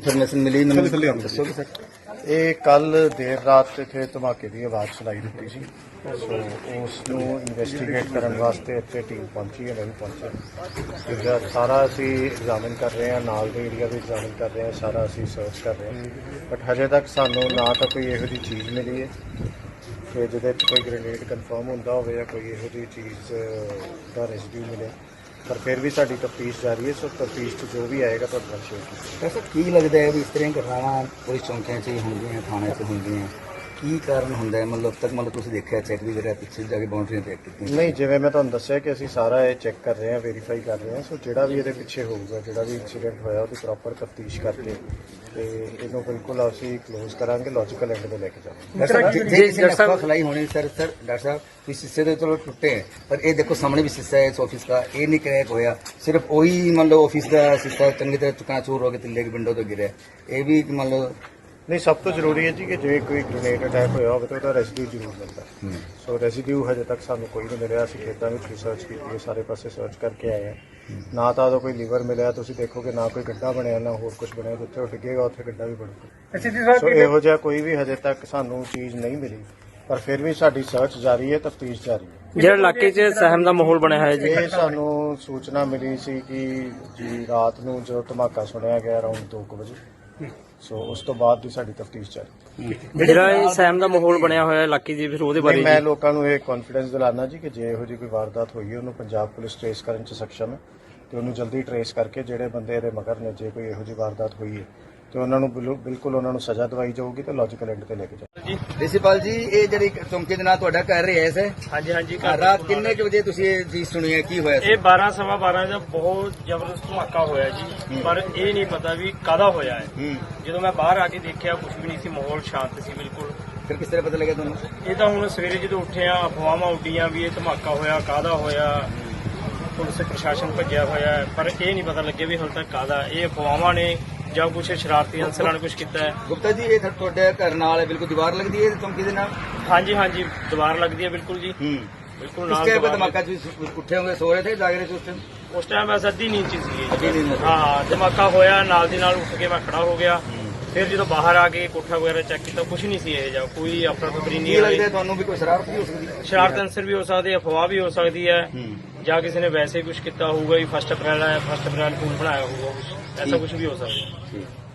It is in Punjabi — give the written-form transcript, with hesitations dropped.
ਇਨਫੋਰਮੇਸ਼ਨ ਮਿਲੀ ਮੈਨੂੰ ਦੱਸੋਗੇ ਸਰ? ਇਹ ਕੱਲ ਦੇਰ ਰਾਤ ਇੱਥੇ ਧਮਾਕੇ ਦੀ ਆਵਾਜ਼ ਸੁਣਾਈ ਦਿੱਤੀ ਸੀ। ਸੋ ਉਸ ਨੂੰ ਇਨਵੈਸਟੀਗੇਟ ਕਰਨ ਵਾਸਤੇ ਇੱਥੇ ਟੀਮ ਪਹੁੰਚੀ ਹੈ, ਮੈਂ ਵੀ ਪਹੁੰਚਿਆ। ਇਹਦਾ ਸਾਰਾ ਅਸੀਂ ਐਗਜ਼ਾਮਿਨ ਕਰ ਰਹੇ ਹਾਂ, ਨਾਲ ਦੇ ਏਰੀਆ ਵੀ ਐਗਜ਼ਾਮਿਨ ਕਰ ਰਹੇ ਹਾਂ, ਸਾਰਾ ਅਸੀਂ ਸਰਚ ਕਰ ਰਹੇ ਹਾਂ। ਬਟ ਹਜੇ ਤੱਕ ਸਾਨੂੰ ਨਾ ਤਾਂ ਕੋਈ ਇਹੋ ਜਿਹੀ ਚੀਜ਼ ਮਿਲੀ ਹੈ ਕਿ ਜਿਹਦੇ 'ਚ ਕੋਈ ਗ੍ਰੇਨੇਡ ਕਨਫਰਮ ਹੁੰਦਾ ਹੋਵੇ ਜਾਂ ਕੋਈ ਇਹੋ ਜਿਹੀ ਚੀਜ਼ ਦਾ ਰੈਜ਼ੀਡਿਊ ਮਿਲੇ। ਪਰ ਫਿਰ ਵੀ ਸਾਡੀ ਤਫਤੀਸ਼ ਜਾਰੀ ਹੈ। ਸੋ ਤਫਤੀਸ਼ 'ਚ ਜੋ ਵੀ ਆਏਗਾ ਤੁਹਾਡੇ ਨਾਲ ਸ਼ੇਅਰ ਕੀਤਾ। ਵੈਸੇ ਕੀ ਲੱਗਦਾ ਹੈ ਵੀ ਇਸ ਤਰ੍ਹਾਂ ਘਟਨਾਵਾਂ ਪੁਲਿਸ ਚੌਂਕਿਆਂ 'ਚ ਹੀ ਹੁੰਦੀਆਂ, ਥਾਣਿਆਂ 'ਚ ਹੁੰਦੀਆਂ, ਕੀ ਕਾਰਨ ਹੁੰਦਾ ਹੈ? ਮਤਲਬ ਤੱਕ ਤੁਸੀਂ ਦੇਖਿਆ, ਚੈੱਕ ਵੀ ਕਰਿਆ, ਪਿੱਛੇ ਜਾ ਕੇ ਬਾਉਂਡਰੀਆਂ ਚੈੱਕ ਕੀਤੀਆਂ? ਨਹੀਂ, ਜਿਵੇਂ ਮੈਂ ਤੁਹਾਨੂੰ ਦੱਸਿਆ ਕਿ ਅਸੀਂ ਸਾਰਾ ਇਹ ਚੈੱਕ ਕਰ ਰਹੇ ਹਾਂ, ਵੈਰੀਫਾਈ ਕਰ ਰਹੇ ਹਾਂ। ਸੋ ਜਿਹੜਾ ਵੀ ਇਹਦੇ ਪਿੱਛੇ ਹੋਊਗਾ, ਜਿਹੜਾ ਵੀ ਇਨਸੀਡੈਂਟ ਹੋਇਆ, ਉਹਦੀ ਪ੍ਰੋਪਰ ਤਫਤੀਸ਼ ਕਰਕੇ ਤੇ ਇਹਨੂੰ ਬਿਲਕੁਲ ਅਸੀਂ ਕਲੋਜ਼ ਕਰਾਂਗੇ, ਲੌਜੀਕਲ ਐਂਡ ਤੇ ਲੈ ਕੇ ਜਾਵਾਂਗੇ। ਜੇ ਕਿਸੇ ਨੇ ਅਫਵਾਹ ਫੈलाई ਹੋਣੀ ਸਰ ਡਾਕਟਰ ਸਾਹਿਬ ਵੀ शीशे तो चलो टुटे हैं, पर ये देखो सामने भी शीशा है इस ऑफिस का, ये नहीं क्रैक होया, सिर्फ वही मान लो ऑफिस का शीशा चंगी तरह चकनाचूर हो गया, तिल्ले की विंडो तो गिरे, ये भी मान लो नहीं। सब तो ਜ਼ਰੂਰੀ ਹੈ ਜੀ ਕਿ ਜੇ ਕੋਈ ਗ੍ਰੇਨੇਡ ਅਟੈਕ ਹੋਇਆ ਹੋਵੇ ਤਾਂ ਉਹਦਾ ਰੈਜ਼ੀਡਿਊ ਜ਼ਰੂਰ ਮਿਲਦਾ। ਸੋ ਰੈਜ਼ੀਡਿਊ ਹਜੇ ਤੱਕ ਸਾਨੂੰ ਕੋਈ ਨਹੀਂ ਮਿਲਿਆ। ਅਸੀਂ ਖੇਤਾਂ ਵਿੱਚ ਰਿਸਰਚ ਕੀਤੀ ਹੈ, ਸਾਰੇ ਪਾਸੇ ਸਰਚ ਕਰਕੇ ਆਏ ਹਾਂ। ਨਾ ਤਾਂ ਉਹਦਾ ਕੋਈ ਲੀਵਰ ਮਿਲਿਆ, ਤੁਸੀਂ ਦੇਖੋਗੇ, ਨਾ ਕੋਈ ਗੱਡਾ ਬਣਿਆ, ਨਾ ਹੋਰ ਕੁਝ ਬਣਿਆ। ਜਿੱਥੇ ਉਹ ਡਿੱਗੇਗਾ ਉੱਥੇ ਗੱਡਾ ਵੀ ਬਣੂਗਾ। ਸੋ ਇਹੋ ਜਿਹਾ ਕੋਈ ਵੀ ਹਜੇ ਤੱਕ ਸਾਨੂੰ ਚੀਜ਼ ਨਹੀਂ ਮਿਲੀ, ਪਰ ਫਿਰ ਵੀ ਸਾਡੀ ਸਰਚ ਜਾਰੀ ਹੈ, ਤਫਤੀਸ਼ ਜਾਰੀ ਹੈ। ਜਿਹੜਾ ਇਲਾਕੇ 'ਚ ਸਹਿਮ ਦਾ ਮਾਹੌਲ ਬਣਿਆ ਹੋਇਆ ਜੀ, ਇਹ ਸਾਨੂੰ ਸੂਚਨਾ ਮਿਲੀ ਸੀ ਕਿ ਜੀ ਰਾਤ ਨੂੰ ਜਦੋਂ ਧਮਾਕਾ ਸੁਣਿਆ ਗਿਆ ਅਰਾਊਂਡ 2 ਵਜੇ। ਸੋ ਉਸ ਤੋਂ ਬਾਅਦ ਦੀ ਸਾਡੀ ਤਫਤੀਸ਼ ਜਾਰੀ। ਜਿਹੜਾ ਇਹ ਸਹਿਮ ਦਾ ਮਾਹੌਲ ਬਣਿਆ ਹੋਇਆ ਇਲਾਕੇ 'ਚ, ਫਿਰ ਉਹਦੇ ਬਾਰੇ ਮੈਂ ਲੋਕਾਂ ਨੂੰ ਇਹ ਕੌਨਫੀਡੈਂਸ ਦਿਲਾਨਾ ਜੀ ਕਿ ਜੇ ਇਹੋ ਜਿਹੀ ਕੋਈ ਵਾਰਦਾਤ ਹੋਈ ਹੈ, ਉਹਨੂੰ ਪੰਜਾਬ ਪੁਲਿਸ ਟ੍ਰੇਸ ਕਰਨ 'ਚ ਸક્ષਮ ਹੈ ਤੇ ਉਹਨੂੰ ਜਲਦੀ ਟ੍ਰੇਸ ਕਰਕੇ ਜਿਹੜੇ ਬੰਦੇ ਇਹਦੇ ਮਗਰ ਨੇ, ਜੇ ਕੋਈ ਇਹੋ ਜਿਹੀ ਵਾਰਦਾਤ ਹੋਈ ਹੈ ਤੇ ਉਹਨਾਂ ਨੂੰ ਬਿਲਕੁਲ ਉਹਨਾਂ ਨੂੰ ਸਜ਼ਾ ਦਵਾਈ ਜਾਊਗੀ ਤੇ ਲੌਜੀਕਲ ਐਂਡ ਤੇ ਲੈ ਕੇ ਜਾਊਗੀ। ਪ੍ਰਿੰਸੀਪਲ ਜੀ, ਇਹ ਜਿਹੜੀ ਚੌਂਕੀ ਦੇ ਨਾਲ ਤੁਹਾਡਾ ਕਰ ਰਿਹਾ ਹੈ ਸਰ? ਹਾਂਜੀ ਹਾਂਜੀ। ਰਾਤ ਕਿੰਨੇ ਕੁ ਵਜੇ ਤੁਸੀਂ ਇਹ ਚੀਜ਼ ਸੁਣੀ ਹੈ, ਕੀ ਹੋਇਆ? ਇਹ 12 ਸਵਾ 12 ਦਾ ਬਹੁਤ ਜ਼ਬਰਦਸਤ ਧਮਾਕਾ ਹੋਇਆ ਜੀ, ਪਰ ਇਹ ਨਹੀਂ ਪਤਾ ਵੀ ਕਾਹਦਾ ਹੋਇਆ ਹੈ। ਜਦੋਂ ਮੈਂ ਬਾਹਰ ਆ ਕੇ ਦੇਖਿਆ, ਕੁਝ ਵੀ ਨਹੀਂ ਸੀ, ਮਾਹੌਲ ਸ਼ਾਂਤ ਸੀ ਬਿਲਕੁਲ। ਫਿਰ ਕਿਸ ਤਰ੍ਹਾਂ ਪਤਾ ਲੱਗਿਆ ਤੁਹਾਨੂੰ? ਇਹ ਤਾਂ ਹੁਣ ਸਵੇਰੇ ਜਦੋਂ ਉੱਠੇ ਆ, ਅਫਵਾਹਾਂ ਉੱਡੀਆਂ ਵੀ ਇਹ ਧਮਾਕਾ ਹੋਇਆ, ਕਾਹਦਾ ਹੋਇਆ, ਪੁਲਿਸ ਪ੍ਰਸ਼ਾਸਨ ਭੱਜਿਆ ਹੋਇਆ ਹੈ, ਪਰ ਇਹ ਨਹੀਂ ਪਤਾ ਲੱਗਿਆ ਵੀ ਹੁਣ ਤੱਕ ਕਾਹਦਾ। ਇਹ ਅਫਵਾਹਾਂ ਨੇ ਜਾਂ ਕੁਝ ਸ਼ਰਾਰਤੀ ਅਨਸਰਾਂ ਨੇ ਕੁਝ ਕੀਤਾ ਹੈ। ਗੁਪਤਾ ਜੀ, ਇਹ ਤੁਹਾਡੇ ਘਰ ਨਾਲ ਬਿਲਕੁਲ ਦੀਵਾਰ ਲੱਗਦੀ ਹੈ ਚੌਂਕੀ ਦੇ ਨਾਲ? ਹਾਂਜੀ ਹਾਂਜੀ, ਦੀਵਾਰ ਲੱਗਦੀ ਹੈ ਬਿਲਕੁਲ ਜੀ, ਬਿਲਕੁਲ ਨਾਲ। ਇਸ ਧਮਾਕਾ ਤੁਸੀਂ ਉੱਠੇ ਹੋਗੇ, ਸੋ ਰਹੇ ਥੇ, ਜਾਗ ਰਹੇ ਸੀ ਉਸ ਟਾਈਮ ਬਸ ਅੱਧੀ ਨੀਂਦ 'ਚ ਸੀ। ਹਾਂ, ਧਮਾਕਾ ਹੋਇਆ, ਨਾਲ ਦੀ ਨਾਲ ਉੱਠ ਕੇ ਮੈਂ ਖੜਾ ਹੋ ਗਿਆ। ਫਿਰ ਜਦੋਂ ਬਾਹਰ ਆ ਕੇ ਕੋਠਾ ਵਗੈਰਾ ਚੈੱਕ ਕੀਤਾ, ਕੁਝ ਨਹੀਂ ਸੀ ਇਹ ਜਿਹਾ, ਕੋਈ ਅਫਰਾ ਤਫਰੀ ਨਹੀਂ। ਲੱਗਦਾ ਤੁਹਾਨੂੰ ਵੀ ਕੋਈ ਸ਼ਰਾਰਤ ਵੀ ਹੋ ਸਕਦੀ ਹੈ? ਸ਼ਰਾਰਤ ਅਨਸਰ ਵੀ ਹੋ ਸਕਦੀ ਹੈ, ਅਫਵਾਹ ਵੀ ਹੋ ਸਕਦੀ ਹੈ, ਜਾਂ ਕਿਸੇ ਨੇ ਵੈਸੇ ਕੁਝ ਕੀਤਾ ਹੋਊਗਾ, 1 ਅਪ੍ਰੈਲ ਹੈ, 1 ਅਪ੍ਰੈਲ ਫੂਲ ਬਣਾਇਆ ਹੋਊਗਾ, ਐਸਾ ਕੁਝ ਵੀ ਹੋ ਸਕਦਾ ਹੈ।